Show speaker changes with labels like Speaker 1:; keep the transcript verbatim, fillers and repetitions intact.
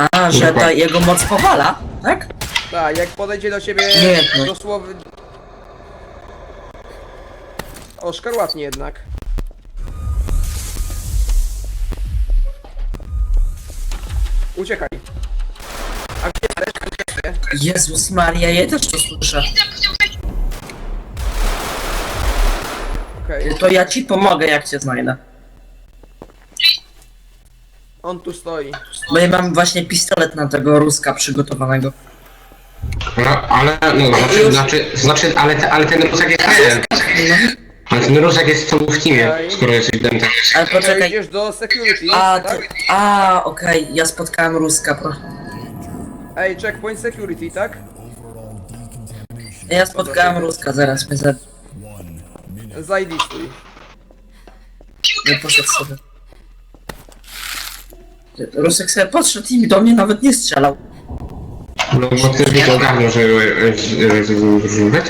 Speaker 1: A, że ta jego moc powala, tak?
Speaker 2: Tak, jak podejdzie do ciebie
Speaker 1: Nie, no.
Speaker 2: dosłownie... O, szkarłatnie jednak. Uciekaj. A gdzie jesteś? Gdzie jesteś?
Speaker 1: Jezus Maria, ja też to słyszę.
Speaker 2: Okej,
Speaker 1: To ja ci pomogę, jak cię znajdę.
Speaker 2: on tu stoi.
Speaker 1: Bo ja mam właśnie pistolet na tego Ruska przygotowanego.
Speaker 3: No, ale, no, znaczy, znaczy, znaczy, ale, te, ale ten Rusak jest ten. Ale ten Rusak jest co w teamie, skoro jesteś dentem.
Speaker 1: Ale poczekaj.
Speaker 2: Przejdziesz do security,
Speaker 1: A,
Speaker 2: tak?
Speaker 1: ty, a, okej, ja spotkałem Ruska, pro.
Speaker 2: Ej, checkpoint security, tak?
Speaker 1: Ja spotkałem Ruska, zaraz mnie za...
Speaker 2: Zajlistuj.
Speaker 1: Nie poszedł sobie. Rusek sobie podszedł i do mnie nawet nie strzelał.
Speaker 3: No bo ty byś ogarnął, że, że, że, że, że